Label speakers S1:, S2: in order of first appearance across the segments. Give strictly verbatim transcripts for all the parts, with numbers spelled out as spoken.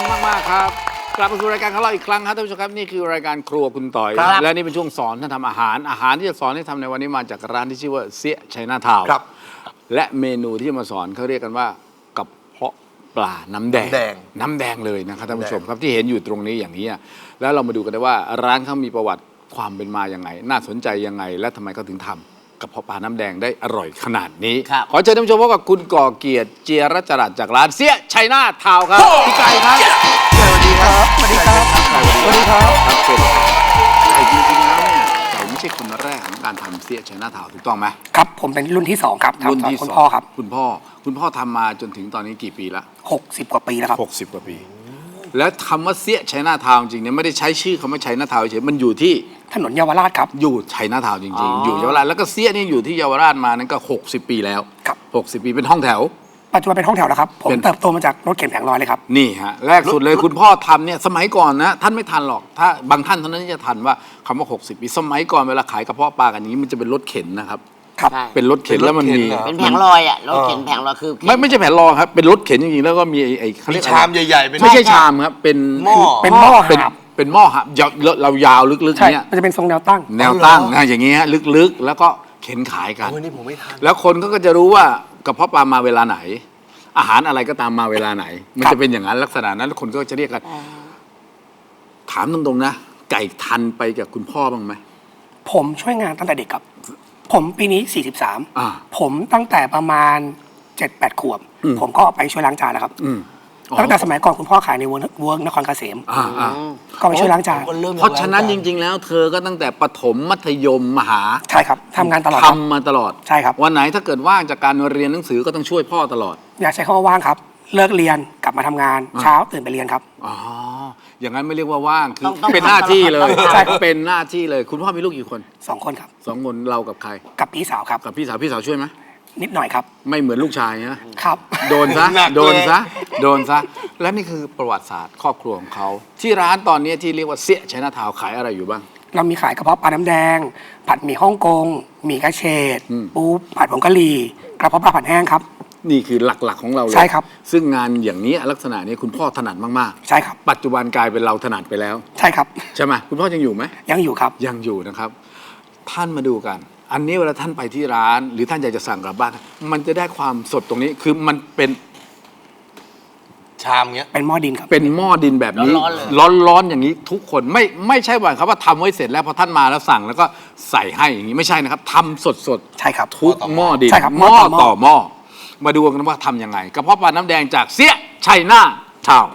S1: มากๆครับกลับมาสู่รายการของเราอีกครั้งครับท่านผู้ชมครับนี่คือรายการครัวคุณต่อยและนี่เป็นช่วงสอนท่านทำอาหารอาหารที่จะสอนให้ทำในวันนี้มาจากร้านที่ชื่อว่าเสี้ยชัยนาทาวน์และเมนูที่จะมาสอนเขาเรียกกันว่ากระเพาะปลาน้ำแดงน้ำแดงเลยนะครับท่านผู้ชมครับที่เห็นอยู่ตรงนี้อย่างนี้แล้วเรามาดูกันได้ว่าร้านเขามีประวัติความเป็นมาอย่างไงน่าสนใจยังไงและทำไมเขาถึงทำกระเพาะปลาน้ำแดงได้อร่อยขนาดนี้ขอเชิญท่านผู้ชมพบกับคุณก่อเกียรติเจียรจรัสจากร้านเสี้ยชัยนาทาวน์ครับพี่ไก่ครับสวัสดีครับสวัสดีครับสวัสดีครับครับเชิญไก่จริงๆแล้วเนี่ยไก่ไม่ใช่คนแรกของการทำเสี้ยชัยนาทาวน์ถูกต้องไหม
S2: ครับผมเป็นรุ่นที่สองครับรุ่นที่คุณพ่อครับ
S1: คุณพ่อคุณพ่อทำมาจนถึงตอนนี้กี่ปีละ
S2: หกสิบกว่าปีแล้วครับ
S1: หกสิบกว่าปีแล้วคำว่าเสี้ยชัยนาทาวน์จริงเนี่ยไม่ได้ใช้ชื่อคำว่าชัยนาทาวน์เฉยมันอยู่ที่
S2: ถนนเยาวราชครับ
S1: อยู่ชัยนาทาวน์จริงๆอยู่เยาวราชแล้วก็เสี้ยนี่อยู่ที่เยาวราชมานั่นก็หกสิบปีแล้ว
S2: ครับ
S1: หกสิบปีเป็นห้องแถว
S2: ปัจจุบันเป็นห้องแถวแล้วครับผมเติบโตมาจากรถเข็นแผงลอยเลยครับ
S1: นี่ฮะแรกสุดเลยคุณพ่อทำเนี่ยสมัยก่อนนะท่านไม่ทันหรอกถ้าบางท่านเท่านั้นที่จะทันว่าคำว่าหกสิบปีสมัยก่อนเวลาขายกระเพาะปลากันนี้มันจะเป็นรถเข็นนะครับ
S2: ครับ
S1: เป็นรถเข็นแล้วมันมี
S3: เป็นแผงลอยอ่ะรถเข็นแผงลอยคือ
S1: ไม่ไม่ใช่แผงลอยครับเป็นรถเข็นจริงๆแล้วก็มีไอ้เขาเรียก
S4: ชามใหญ่ๆ
S1: ไม่ใช่ชามครับเป็น
S4: หม้อ
S2: เป็นหม้อ
S1: เป็นเป็นหม้อครับเรายาวลึกๆเนี่ย
S2: มันจะเป็นทรงแนวตั้ง
S1: แนวตั้งนะอย่างเงี้ยลึกๆแล้วก็เข็นขายกัน
S4: นี่ผมไม่ทัน
S1: แล้วคนก็จะรู้ว่ากระเพาะปลามาเวลาไหนอาหารอะไรก็ตามมาเวลาไหนมันจะเป็นอย่างนั้นลักษณะนั้นคนก็จะเรียกกันถามตรงๆนะไก่ทันไปกับคุณพ่อบ้างไหม
S2: ผมช่วยงานตั้งแต่เด็กครับผมปีนี้สี่สิบสาม
S1: อ่า
S2: ผมตั้งแต่ประมาณเจ็ดแปดขวบผมก็ไปช่วยล้างจานแล้วครับตั้งแต่สมัยก่อนคุณพ่อขายในเวิร์กนครเกษมก็ไปช่วยล้างจาน
S1: เพราะฉะนั้นจริงๆแล้วเธอก็ตั้งแต่ประถมมัธยมมหา
S2: ใช่ครับทำงานตลอด
S1: ทำมาตลอด
S2: ใช่ครับ
S1: วันไหนถ้าเกิดว่างจากการเรียนหนังสือก็ต้องช่วยพ่อตลอด
S2: อยากใช้คำว่าว่างครับเลิกเรียนกลับมาทำงานเช้าตื่นไปเรียนครับ
S1: อ๋ออย่างนั้นไม่เรียกว่าว่างคือเป็นหน้าที่เลยใช่เป็นหน้าที่เลยคุณพ่อมีลูกกี่คน
S2: สองคนครับ
S1: สองคนเรากับใคร
S2: กับพี่สาวครับ
S1: กับพี่สาวพี่สาวช่วยไหม
S2: นิดหน่อยครับ
S1: ไม่เหมือนลูกชายนะครับโดนซะโดนซะโดนซะและนี่คือประวัติศาสตร์ครอบครัวของเขาที่ร้านตอนนี้ที่เรียกว่าเสี้ยชัยนาทาวน์ขายอะไรอยู่บ้าง
S2: เรามีขายกระเพาะปลาน้ำแดงผัดหมี่ฮ่องกงหมี่กระเฉดปูผัดผงกะหรี่กระเพาะปลาผัดแห้งครับ
S1: นี่คือหลักๆของเราเลย
S2: ใช่ครับ
S1: ซึ่งงานอย่างนี้ลักษณะนี้คุณพ่อถนัดมาก
S2: ๆใช่ครับ
S1: ปัจจุบันกลายเป็นเราถนัดไปแล้ว
S2: ใช่ครับ
S1: ใช่ไหมคุณพ่อยังอยู่ไหม
S2: ยังอยู่ครับ
S1: ยังอยู่นะครับท่านมาดูกันอันนี้เวลาท่านไปที่ร้านหรือท่านอยากจะสั่งกลับบ้านมันจะได้ความสดตรงนี้คือมันเป็น
S4: ชามเงี้ย
S2: เป็นหม้อดินครับ
S1: เป็นหม้อดินแบบนี้ร้อนๆอย่างนี้ทุกคนไม่ไม่ใช่ว่าครับว่าทำไว้เสร็จแล้วพอท่านมาแล้วสั่งแล้วก็ใส่ให้อย่างนี้ไม่ใช่นะครับทำสด
S2: ๆใช่ครับ
S1: ทุกหม้อดินหม้อต่อหม้อมาดูกันว่าทำยังไงกระเพาะปลาน้ำแดงจากเสี้ยชัยนาทาวน์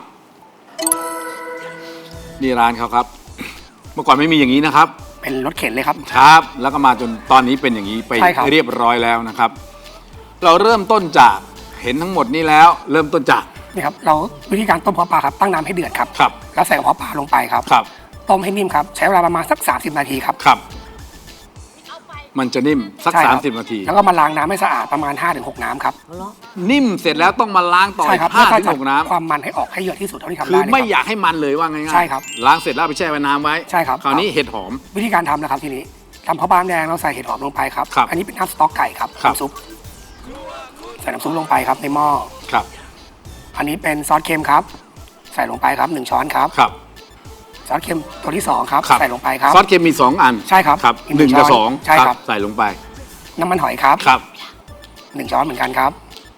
S1: นี่ร้านเขาครับเมื่อก่อนไม่มีอย่างนี้นะครับ
S2: เป็นรถเข็นเลยครับ
S1: ครับแล้วก็มาจนตอนนี้เป็นอย่างนี้ไปเรียบร้อยแล้วนะครับเราเริ่มต้นจากเห็นทั้งหมดนี้แล้วเริ่มต้นจาก
S2: นี่ครับเราวิธีการต้มกระเพาะปลาครับตั้งน้ำให้เดือดครับ
S1: ครับ
S2: แล้วใส่กระเพาะปลาลงไปครับ
S1: ครับ
S2: ต้มให้นิ่มครับใช้เวลาประมาณสักสามสิบนาทีครับ
S1: ครับมันจะนิ่มสักสามสิบนาที
S2: แล้วก็มาล้างน้ำให้สะอาดประมาณ ห้าถึงหก น้ำครับ
S1: นิ่มเสร็จแล้วต้องมาล้างต่ออีกห้าถึงหกน้ำ
S2: ความมันให้ออกให้เยอะที่สุดเท่าที่ทำได้
S1: คือไม่อยากให้มันเลยว่าง่ายๆ
S2: ใช่ครับ
S1: ล้างเสร็จแล้วไปแช่ไว้น้ำไว้
S2: ใช่ครับ
S1: คราวนี้เห็ดหอม
S2: วิธีการทำนะครับทีนี้ทำข้าวปลาแดงเราใส่เห็ดหอมลงไปครับอันนี้เป็นน้ำสต๊อกไก่ครับน้ำซุปใส่น้ำซุปลงไปครับในหม้อ
S1: ครับ
S2: อันนี้เป็นซอสเค็มครับใส่ลงไปครับหนึ่งช้อนครับ
S1: ครับ
S2: ซอสเค็มตัวที่สองครับใส่ลงไปครับ
S1: ซอสเค็มมีสองอัน
S2: ใช่ครับ
S1: ครับหนึ่งกับสอง
S2: ใช่ครับ
S1: ใส่ลงไป
S2: น้ำมันหอยครับ
S1: ครับ
S2: หนึ่งช้อนเหมือนกันครับ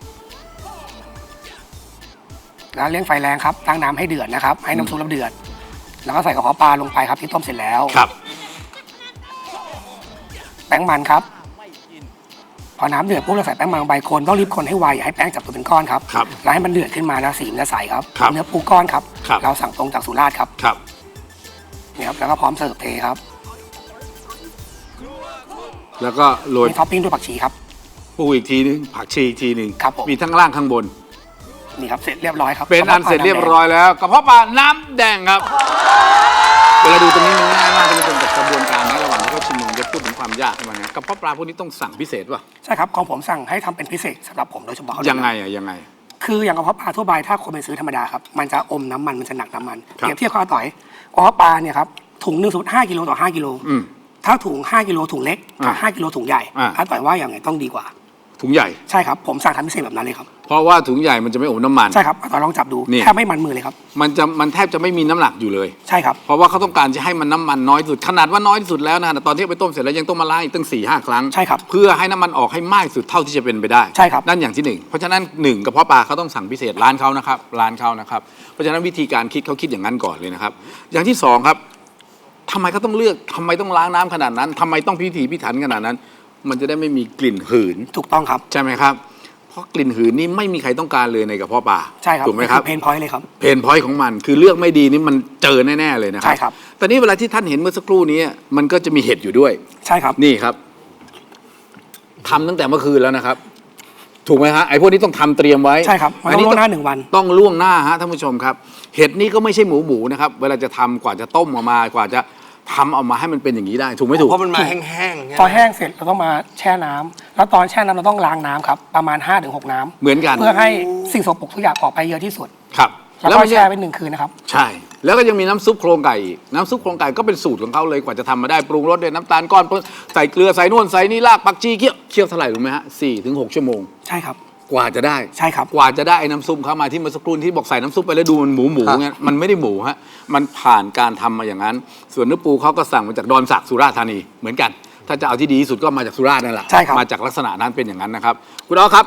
S2: แล้วเลี้ยงไฟแรงครับตั้งน้ำให้เดือดนะครับให้น้ำซุปเดือดแล้วก็ใส่กระเพาะปลาลงไปครับที่ต้มเสร็จแล้ว
S1: ครับ
S2: แป้งมันครับพอน้ำเดือดปุ๊บเราใส่แป้งมันลงไปคนต้องรีบคนให้ไวอย่าให้แป้งจับตัวเป็นก้อนครับแล้วให้มันเดือดขึ้นมาแล้วสีมันจะใสครับเนื้อปูก้อนครับเราสั่งตรงจากสุราษฎร์ครับ
S1: ครับ
S2: นี่ครับแล้วก็พร้อมเสิร์ฟเทครับ
S1: แล้วก็โรย
S2: ท็อปปิ้งด้วยผักชีครับ
S1: ปูอีกทีนึงผักชีอีกทีนึง
S2: ครับ
S1: มีทั้งล่างข้างบน
S2: นี่ครับเสร็จเรียบร้อยครับ
S1: เป็นอันเสร็จเรียบร้อยแล้วกระเพาะปลาน้ำแดงครับเวลาดูตรงนี้มันง่ายมากท่านผู้ชมกับกระบวนการนะระหว่างที่เขาชิมมันจะพูดถึงความยากขึ้นมาเนี่ยกระเพาะปลาพวกนี้ต้องสั่งพิเศษป่ะ
S2: ใช่ครับของผมสั่งให้ทำเป็นพิเศษสำหรับผมโดยเฉพาะ
S1: ยังไงอ่ะยังไง
S2: คืออย่างกระเพาะปลาทั่วไปถ้าคนไปซื้อธรรมดาครับมันจะอมน้ำมันมันจะหนักน้ำมันเปรียบเทียบข้าวต่อยกระเพาะปลาเนี่ยครับถุงหนึ่งสมมติห้ากิโลต่อห้ากิโลถ้าถุงห้ากิโลถุงเล็กกับห้ากิโลถุงใหญ่ถ้าต่อยว่าอย่างไงต้องดีกว่า
S1: ถุถุงใหญ่
S2: ใช่ครับผมสั่งทำพิเศษแบบนั้นเลยครับ
S1: เพราะว่าถุงใหญ่มันจะไม่อมน้ำมัน
S2: ใช่ครับตอนลองจับดู
S1: นี่
S2: แทบไม่มันมือเลยครับ
S1: มันจะมันแทบจะไม่มีน้ำหนักอยู่เลย
S2: ใช่ครับ
S1: เพราะว่าเขาต้องการจะให้มันน้ำมันน้อยที่สุดขนาดว่าน้อยที่สุดแล้วนะตอนที่เอาไปต้มเสร็จแล้วยังต้องมาล้างอีกตั้งสี่ห้าครั้ง
S2: ใช่ครับ
S1: เพื่อให้น้ำมันออกให้มากที่สุดเท่าที่จะเป็นไปได้
S2: ใช่ครับ
S1: นั่นอย่างที่หนึ่งเพราะฉะนั้นหนึ่งกระเพาะปลาเขาต้องสั่งพิเศษร้านเขานะครับร้านเขานะครับเพราะฉะนั้นวิธีการคิดเขาคิดอย่างนั้นก่อนเลยนะครับอย่างที่สองครับทำไมเขาต้องเลือกทำไมต้องล้างน้ำขนาดนั้นทำไมต้องพิถีพิถันขนาดนั้น มันจะได้ไม่มีกลิ่นหืน
S2: ถูกต้องครับ
S1: ใช่ไหมครับเพราะกลิ่นหืนนี่ไม่มีใครต้องการเลยในกระเพาะปลา
S2: ใช่ครับ
S1: ถูกไหมครับ
S2: เพนพอยต์เลยครับ
S1: เพนพอยต์ของมันคือเลือกไม่ดีนี่มันเจอแน่ๆเลยนะครั
S2: ใช่ครับ
S1: แต่นี่เวลาที่ท่านเห็นเมื่อสักครู่นี้มันก็จะมีเห็ดอยู่ด้วย
S2: ใช่ครับ
S1: นี่ครับทำตั้งแต่เมื่อคืนแล้วนะครับ ถูกไหมฮะไอ้พวกนี้ต้องทำเตรียมไว้
S2: ใช่ครับมันต้องล่วงหน้าหนึ่งวัน
S1: ต้องล่วงหน้าฮะท่านผู้ชมครับ เห็ดนี่ก็ไม่ใช่หมูหมูนะครับ เวลาจะทำกว่าจะต้มออกมากว่าจะทำออกมาให้มันเป็นอย่างนี้ได้ ถูกไหมถูก
S4: เพราะมันมาแห้งๆใช่ไหม
S2: พอแห้งเสร็จเราต้องมาแช่น้ำแล้วตอนแช่น้ำเราต้องล้างน้ำครับประมาณ ห้าถึงหก น้ำ
S1: เหมือนกัน
S2: เพื่อให้สิ่งสกปรกทุกอย่างออกไปเยอะที่สุด
S1: ครับ
S2: แล้วก็
S1: ไม่ใช่
S2: แช่ไว้หนึ่งคืนนะครับ
S1: ใช่ แล้วก็ยังมีน้ำซุปโครงไก่อีกน้ำซุปโครงไก่ก็เป็นสูตรของเขาเลยกว่าจะทำมาได้ปรุงรสด้วยน้ำตาลก้อนใส่เกลือใส่นวลใส่นี่รากผักชีเคี่ยวเคี่ยวเท่าไหร่รู้ไหมฮะสี่ถึงหกชั่วโมง
S2: ใช่ครับ
S1: กว่าจะได้
S2: ใช่ครับ
S1: กว่าจะได้ไอ้น้ำซุปเข้ามาที่เมื่อสักครู่ที่บอกใส่น้ำซุปไปแล้วดูมันหมูหมูเงี้ยมันไม่ได้หมูฮะมันผ่านการทำมาอย่างนั้น ส่วนเนื้อปูเขาก็สั่งมาจากดอนสักสุราษฎร์ธานีเหมือนกัน ถ้าจะเอาที่ดีที่สุดก็มาจากสุราษฎร์นั่นแหละ
S2: ใช่ครับ
S1: มาจากลักษณะนั้นเป็นอย่างนั้นนะครับคุณอ๋อครับ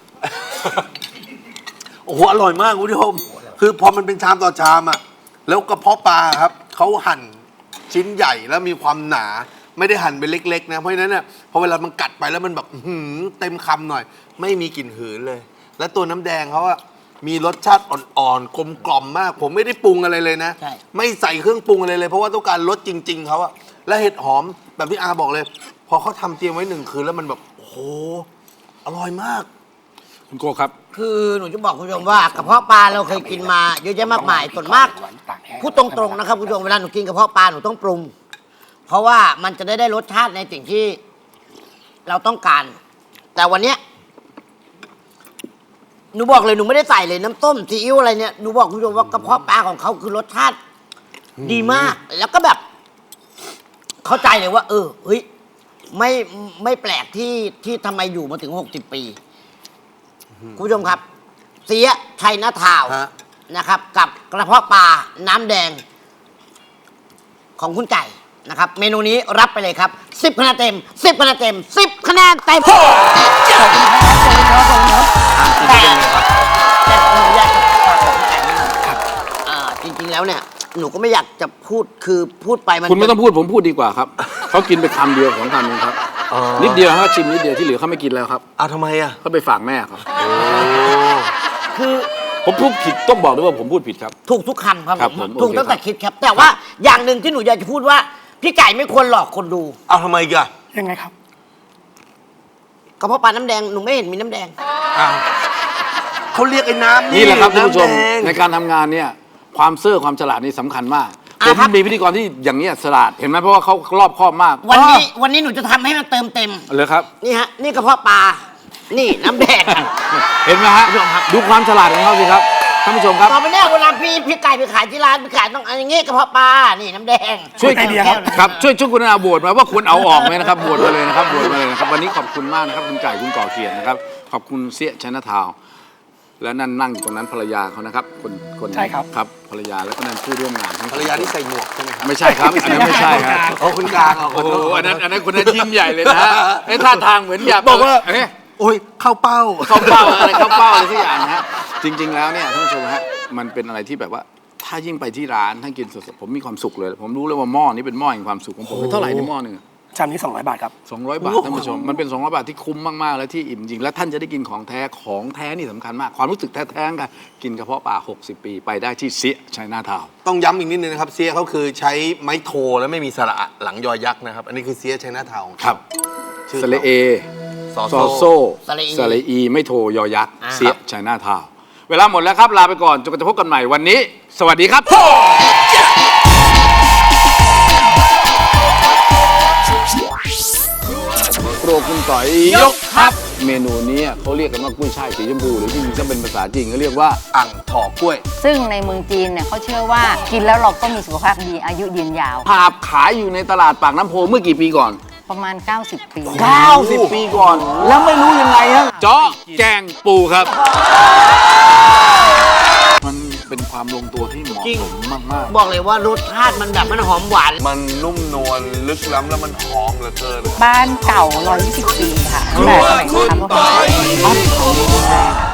S4: โอ้โหอร่อยมากคุณผู้ชมคือพอมันเป็นชามต่อชามอ่ะแล้วกระเพาะปลาครับเขาหั่นชิ้นใหญ่แล้วมีความหนาไม่ได้หั่นเป็นเล็กๆนะเพราะฉะนั้นเนี่ยพอเวลามันกัดไปแล้วมันแบบอื้อหือเต็มคำหน่อย ไม่มีกลิ่นหืนเลย และตัวน้ำแดงเขาอะมีรสชาติอ่อนๆกลมกล่อมมาก ผมไม่ได้ปรุงอะไรเลยนะ
S3: ใช่
S4: ไม่ใส่เครื่องปรุงอะไรเลย เพราะว่าต้องการรสจริง ๆเขาอะและเห็ดหอมแบบที่อาบอกเลย พอเขาทำเตรียมไว้หนึ่งคืนแล้วมันแบบโอ้โหอร่อยมาก
S1: คุณโกครับ
S3: คือหนูจะบอกคุณผู้ชมว่ากระเพาะปลาเราเคยกินมาเยอะแยะมากมายส่วนมากพูดตรงๆนะครับคุณผู้ชมเวลาหนูกินกระเพาะปลาหนูต้องปรุง เพราะว่ามันจะได้ได้รสชาติในสิ่งที่เราต้องการ แต่วันเนี้ยหนูบอกเลยหนูไม่ได้ใส่เลยน้ำต้มซีอิ๊วอะไรเนี่ยหนูบอกคุณผู้ชมว่ากระเพาะปลาของเขาคือรสชาติดีมาก แล้วก็แบบ เข้าใจเลยว่า เออเฮ้ยไม่ไม่แปลกที่ที่ทำไมอยู่มาถึงหกสิบปีคุณผู้ชมครับ เสียไทยนาทาวน์
S4: ฮะ
S3: นะครับ กับกระเพาะปลาน้ำแดง ของคุณไก่นะครับ เมนูนี้รับไปเลยครับสิบคะแนนเต็มสิบคะแนนเต็มสิบคะแนนเต็มแต่แต่หนูอยากจะฝากบอกคุณไก่นิดนึงอ่าจริงๆแล้วเนี่ย หนูก็ไม่อยากจะพูดคือพูดไปมัน
S1: คุณไม่ต้องพูดผมพูดดีกว่าครับ เขากินไปคำเดียวของคำนึงครับ
S4: อ๋อ
S1: นิดเดียวเขาชิมนิดเดียวที่เหลือเขาไม่กินแล้วครับ
S4: เอาทำไมอะ
S1: เขาไปฝากแม่ครับ
S3: คือ
S1: ผมพูดผิดต้องบอกด้วยว่าผมพูดผิดครับ
S3: ถูกทุกคำครับ
S1: ครับ
S3: ผม
S1: ผม
S3: ถูก
S1: โอเค
S3: ตั้งแต่
S1: ครับ
S3: คิดครับ แต่ว่าอย่างหนึ่งที่หนูอยากจะพูดว่า พี่ไก่ไม่ควรหลอกคนดู
S4: เอาทำไมอีกัน
S2: ยังไงครับ
S3: กระเพาะปลาน้ำแดงหนูไม่เห็นมีน้ำแดง
S4: อ้าวเขาเรียกไอ้น้ำ
S1: นี่แหละครับท่านผู้ชม
S4: ำแดง
S1: ในการทำงานเนี่ยความเซื่อความฉลาดนี่สำคัญมาก
S3: อ่ะ
S1: ผม
S3: ครับ
S1: มีพิธีกรที่อย่างเนี้ยฉลาดเห็นไหมเพราะว่าเขารอบคอบมาก
S3: วันนี้วันนี้หนูจะทำให้มันเติมเต็ม
S1: เลยครับ
S3: นี่ฮะ นี่กระเพาะปลา นี่น้ำแดง
S1: เห็นไหมฮะดูความฉลาดของเขาสิครับท่านผู้ชมครับ
S3: ต่อไปเนี่ยเวลาพี่พี่ไก่ไปขายที่ร้านพี่ขายต้องเอาอย่างงี้กระเพาะปลา นี่น้ำแดง
S1: ช่วย
S2: ไอเดียครับ
S1: ครับช่วยช่วยคุณอาโบดมาว่าควรเอาออกไหมนะครับโบดมาเลยนะครับโบดมาเลยนะครับวันนี้ขอบคุณมากนะครับคุณไก่คุณก่อเกียรตินะครับขอบคุณเสียชนะทาวน์และนั่นนั่งอยู่ตรงนั้นภรรยาเขานะครับคนคน
S2: ใช่ครับ
S1: ครับภรรยาแล้วก็นั่นผู้ร่วมงานทั้ง
S4: ภรรยาที่ใส่หมวกใช่ไหมครับ
S1: ไม่ใช่ครับอันนั้นไม่ใช่ครับ
S4: โอ้คุณกลางเหรอ
S1: โอ้โหอันนั้นอันนั้นคุณนั้นยิ้มใหญ่เลยนะฮะไอ้ท่าทางเหมือนอยาก
S4: บอกว่า
S1: เอ๊ะ
S4: โอ้ยเข้าเป้า
S1: เข้าเป้าอะไรเข้าเป้าอะไรสักอย่างนะฮะจริง ๆ แล้วเนี่ยท่านผู้ชมฮะมันเป็นอะไรที่แบบว่าถ้ายิ่งไปที่ร้านท่านกินสดๆผมมีความสุขเลย ผมรู้เลยว่าหม้อนี้เป็นหม้อแห่งความสุขของผมเป็นเท่าไหร่ในหม้อหนึงอะ
S2: ชามนี้สองร้อยบาทครับ
S1: สองร้อยบาทท่านผู้ชมมันเป็นสองร้อยบาทที่คุ้มมากๆและที่อิ่มจริงและท่านจะได้กินของแท้ของแท้นี่สำคัญมากความรู้สึกแท้ๆกันกินกระเพาะปลาหกสิบปีไปได้ที่เสียชัยนาทาวน์
S4: ต้องย้ำอีกนิดนึงนะครับเซียเขาคือใช้ไม้โทแล้วไม่มีสระอะหลังยอยักษ์นะครับ อันนี้คือเซียไชน่าทาวน์
S1: ครับ
S4: ชื่อ
S1: สระเอ
S4: ซอ
S1: ซอ
S4: โซ
S1: โซ
S3: สระอี
S1: สระอีไม่โทยอยักษ์
S3: อ่า
S1: เสียชัยนาทาวน์เวลาหมดแล้วครับลาไปก่อนจนกว่าจะพบกันใหม่วันนี้ สวัสดีครับครัวคุณต่อยยกครับ เมนูนี้เขาเรียกกันว่ากุ้ยช่ายสีชมพูหรือจริงๆถ้าเป็นภาษาจีนเขาเรียกว่า
S4: อ่างถอกล้วย
S5: ซึ่งในเมืองจีนเนี่ยเขาเชื่อว่ากินแล้วเราก็มีสุขภาพดีอายุยืนยาว
S1: ภาพขายอยู่ในตลาดปากน้ำโพเมื่อกี่ปีก่อน
S5: ประมาณ เก้าสิบ ปี
S1: เก้าสิบ ปีก่อน แล้วไม่รู้ยังไงฮะเจาะแกงปูครับ มันเป็นความลงตัวที่เหมาะสมมาก
S3: บอกเลยว่ารสชาติมันแบบมันหอมหวาน
S4: มันนุ่มนวลลึกล้ำแล้วมันหอมเหลือเกิน
S5: บ้านเก่า ร้อยยี่สิบ ปีค่ะตั้งแต่สมัยทำก็เป็นบ้านของดีแรก